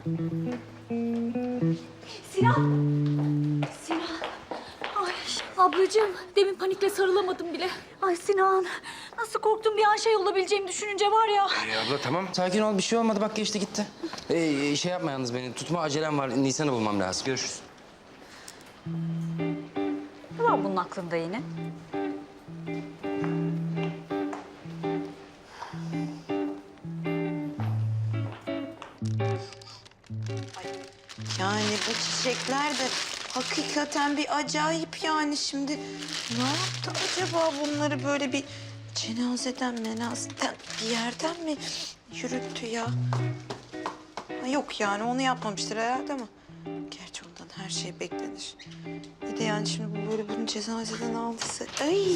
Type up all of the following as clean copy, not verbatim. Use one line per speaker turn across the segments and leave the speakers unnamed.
Sinan! Sinan! Ay ablacığım, demin panikle sarılamadım bile. Ay Sinan, nasıl korktum bir an şey olabileceğimi düşününce var ya.
Abla tamam sakin ol, bir şey olmadı, bak geçti gitti. Şey yapma yalnız, beni tutma, acelem var, Nisan'ı bulmam lazım. Görüşürüz.
Ne var bunun aklında yine?
Yani bu çiçekler de hakikaten bir acayip yani şimdi. Ne yaptı acaba bunları böyle bir cenazeden menazeden bir yerden mi yürüttü ya? Ha, yok yani onu yapmamıştır herhalde ama. Gerçi ondan her şey beklenir. Bir de yani şimdi bu böyle bunu cenazeden aldıysa... Ay!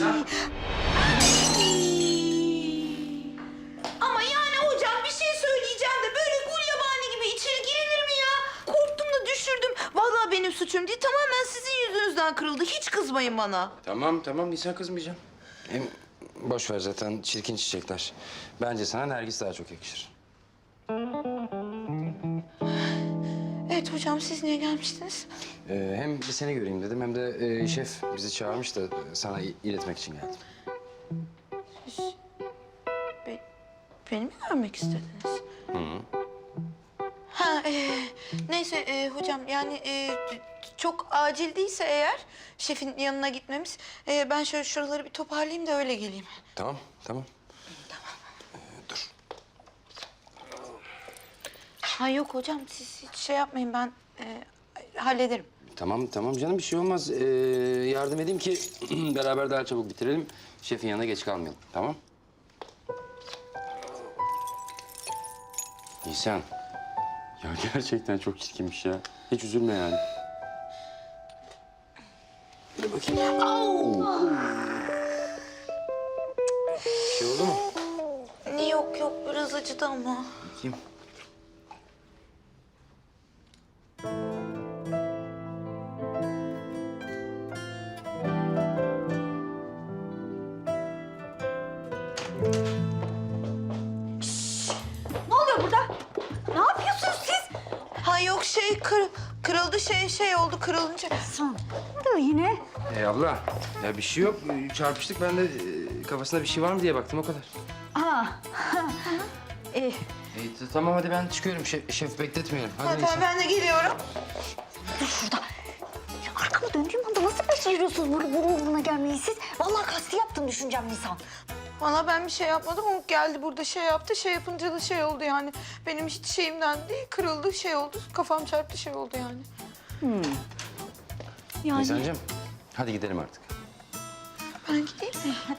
Ama yani hocam bir şey söyleyeceğim de böyle gulyabani gibi içeri girilir mi ya? Korktum da düşürdüm. Vallahi benim suçum değil. Tamamen sizin yüzünüzden kırıldı. Hiç kızmayın bana.
Tamam Nisan, kızmayacağım. Hem boş ver, zaten çirkin çiçekler. Bence sana Nergis daha çok yakışır.
Evet hocam siz niye gelmiştiniz?
Hem bir seni göreyim dedim, hem de şef bizi çağırmış da sana iletmek için geldim.
Beni mi görmek istediniz? Ha, neyse hocam yani çok acil değilse eğer şefin yanına gitmemiz... ben şöyle şuraları bir toparlayayım da öyle geleyim.
Tamam.
Tamam.
Dur.
Ha yok hocam siz hiç şey yapmayın ben hallederim.
Tamam canım, bir şey olmaz. Yardım edeyim ki beraber daha çabuk bitirelim. Şefin yanına geç kalmayalım, tamam? Nisan. Ya gerçekten çok çirkinmiş ya. Hiç üzülme yani. Dur bakayım. Bir şey oldu mu?
Yok biraz acıdı ama.
Bakayım.
Ne oluyor burada? Ne yapıyorsunuz siz?
Ha yok şey kırıldı şey oldu kırılınca.
Son. Ne oluyor yine?
Abla, ya bir şey yok. Çarpıştık, ben de kafasında bir şey var mı diye baktım, o kadar.
Ha.
Tamam hadi ben çıkıyorum. Şef bekletmeyelim. Hadi
Ha,
Nisan.
tamam ben de geliyorum.
Dur şurada. Ya arkamı döndüğüm anda nasıl beceriyorsunuz böyle buruna gelmeyi siz? Vallahi kasti yaptım düşüneceğim Nisan.
Valla ben bir şey yapmadım. O geldi burada şey yaptı. Şey yapınca da şey oldu yani. Benim hiç şeyimden değil. Kırıldı şey oldu. Kafam çarptı şey oldu yani.
Yani
Nisan'cığım, hadi gidelim artık.
Ben gideyim mi?
hadi.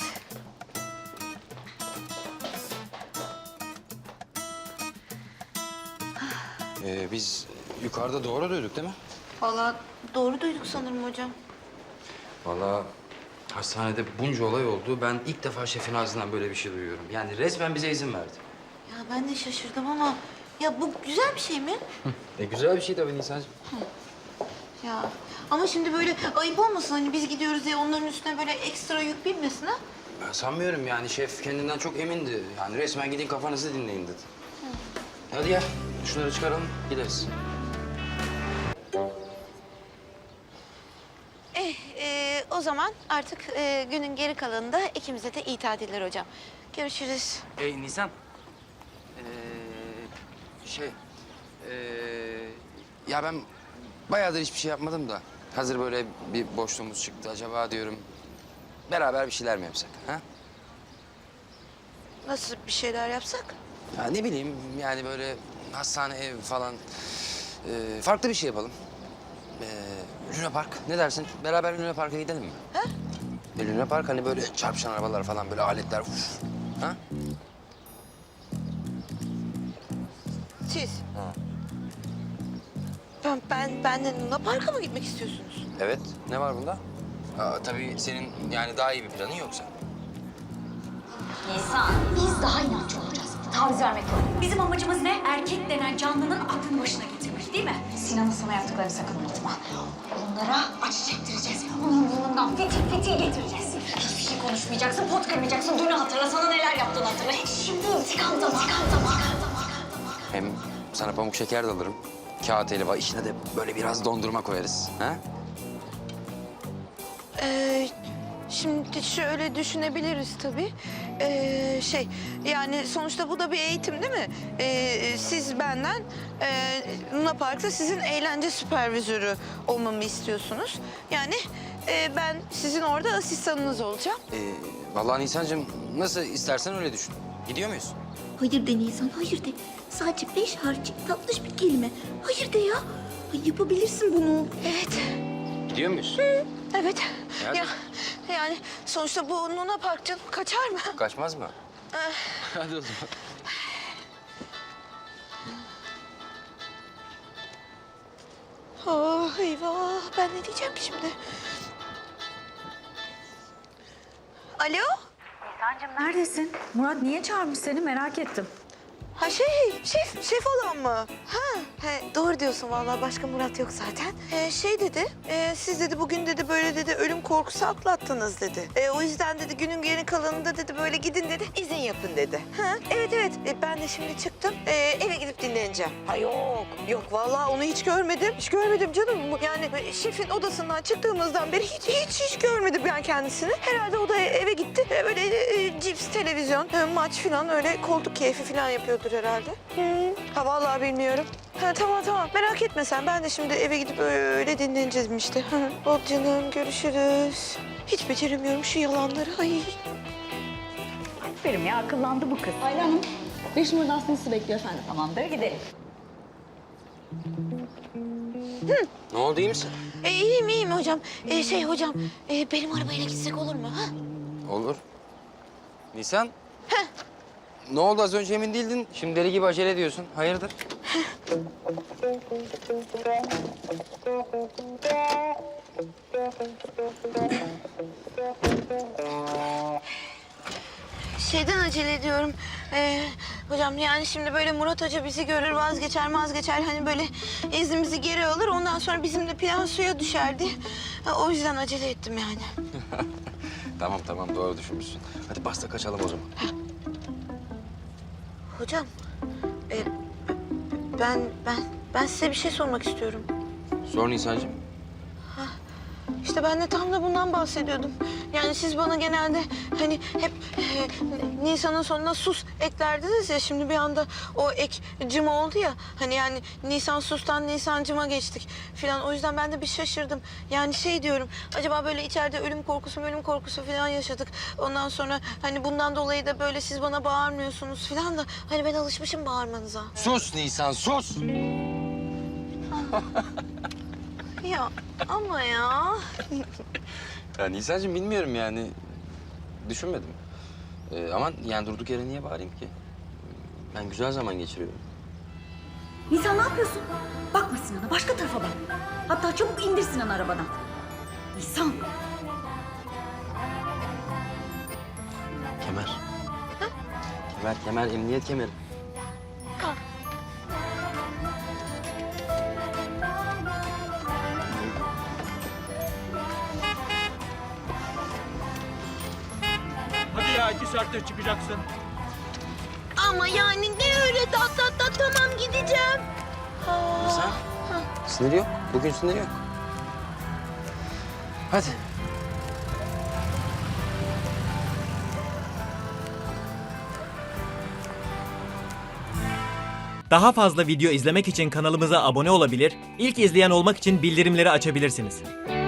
Biz yukarıda doğru duyduk değil mi?
Valla doğru duyduk sanırım hocam.
Vallahi hastanede bunca olay oldu. Ben ilk defa şefin ağzından böyle bir şey duyuyorum. Yani resmen bize izin verdi.
Ya ben de şaşırdım ama... Ya bu güzel bir şey mi?
Güzel bir şey tabii Nisan'cığım.
Ya ama şimdi böyle ayıp olmasın hani biz gidiyoruz diye onların üstüne böyle ekstra yük binmesin ha?
Ben sanmıyorum yani, şef kendinden çok emindi. Yani resmen gidin kafanızı dinleyin dedi. Hadi gel, şunları çıkaralım, gideriz.
O zaman artık günün geri kalanında ikimize de iyi tatiller hocam. Görüşürüz.
Nisan. Şey... ya ben bayağıdır hiçbir şey yapmadım da. Hazır böyle bir boşluğumuz çıktı. Acaba diyorum beraber bir şeyler mi yapsak? Ha?
Nasıl bir şeyler yapsak?
Ya ne bileyim yani böyle hastane, ev falan. Farklı bir şey yapalım. Luna Park, ne dersin? Beraber Luna Park'a gidelim mi?
Ha?
Luna Park hani böyle çarpışan arabalar falan, böyle aletler. Uf. Ha?
Siz? Benden Luna Park'a mı gitmek istiyorsunuz?
Evet. Ne var bunda? Tabii senin yani daha iyi bir planın yoksa.
Nisan, biz daha inatçı olacağız. Taviz vermek yok. Bizim amacımız ne? Erkek denen canlının aklını başına getirmek değil mi? Sinan'ın sana yaptıklarını sakın unutma. Onlara acı çektireceğiz. Onun burnundan fitil getireceğiz. Hiçbir şey konuşmayacaksın, pot kırmayacaksın. Dünü hatırla, sana neler yaptığını hatırla. Hiç şimdi intikam zamanı.
Hem sana pamuk şeker de alırım. kağıt helva, içine de böyle biraz dondurma koyarız. Ha?
Şimdi şöyle düşünebiliriz tabii. Yani sonuçta bu da bir eğitim değil mi? Siz benden Luna Park'ta sizin eğlence süpervizörü olmamı istiyorsunuz. Yani ben sizin orada asistanınız olacağım.
Vallahi Nisan'cığım nasıl istersen öyle düşün. Gidiyor muyuz?
Hayır de Nisan, hayır de. Sadece 5 harfli tatlış bir kelime. Hayır de ya. Ay, yapabilirsin bunu.
Evet,
Gidiyor muyuz?
evet.
Hadi.
Ya, yani sonuçta bu Luna Park canım kaçar mı?
Kaçmaz mı? Hadi o zaman.
Oh eyvah, ben ne diyeceğim şimdi? Alo?
Neredesin? Murat niye çağırmış seni merak ettim.
Ha şef olan mı? Doğru diyorsun vallahi başka Murat yok zaten. Dedi, siz dedi bugün dedi böyle dedi ölüm korkusu atlattınız dedi. O yüzden dedi günün geri kalanında dedi böyle gidin dedi izin yapın dedi. Evet. Ben de şimdi çıktım eve gidip dinleneceğim. Ha yok vallahi onu hiç görmedim. Hiç görmedim canım. Yani şefin odasından çıktığımızdan beri hiç görmedim ben kendisini. Herhalde o da eve gitti. Böyle cips, televizyon, maç falan öyle koltuk keyfi falan yapıyordur herhalde. Ha vallahi bilmiyorum. Tamam merak etme sen. Ben de şimdi eve gidip öyle dinleneceğim işte. Ol canım görüşürüz. Hiç beceremiyorum şu yalanları. Ay.
Aferin ya akıllandı bu kız.
Ayla Hanım, 5 numaradan sizi bekliyor efendim.
Tamamdır gidelim.
Ne oldu, iyi misin?
İyiyim hocam. Hocam benim arabayla gitsek olur mu? Ha?
Olur. Nisan? Ne oldu, az önce emin değildin. Şimdi deli gibi acele ediyorsun. Hayırdır?
Şeyden acele ediyorum. Hocam yani şimdi böyle Murat Hoca bizi görür vazgeçer hani böyle iznimizi geri alır ondan sonra bizim de plan suya düşerdi. O yüzden acele ettim yani.
Tamam doğru düşünmüşsün. Hadi bas da kaçalım o zaman.
Hocam ben size bir şey sormak istiyorum.
Sor Nisan'cığım.
İşte ben de tam da bundan bahsediyordum. Yani siz bana genelde hani hep Nisan'ın sonuna sus eklerdiniz ya. Şimdi bir anda o ek cım oldu ya. Hani yani Nisan sustan Nisancıma geçtik falan. O yüzden ben de bir şaşırdım. Yani diyorum acaba böyle içeride ölüm korkusu falan yaşadık. Ondan sonra hani bundan dolayı da böyle siz bana bağırmıyorsunuz falan da. Hani ben alışmışım bağırmanıza.
Sus Nisan, sus!
Ya ama ya.
Ya Nisan'cığım bilmiyorum yani. Düşünmedim. Ama yani durduk yere niye bağırayım ki? Ben güzel zaman geçiriyorum.
Nisan ne yapıyorsun? Bakma Sinan'a başka tarafa bak. Hatta çabuk indir Sinan'ı arabadan. Nisan.
Kemer. Kemer, emniyet kemeri.
Hadi ya 2 saatte çıkacaksın.
Ama yani ne öyle tamam gideceğim.
Nisan, siniri yok. Bugün siniri yok. Hadi.
Daha fazla video izlemek için kanalımıza abone olabilir, ilk izleyen olmak için bildirimleri açabilirsiniz.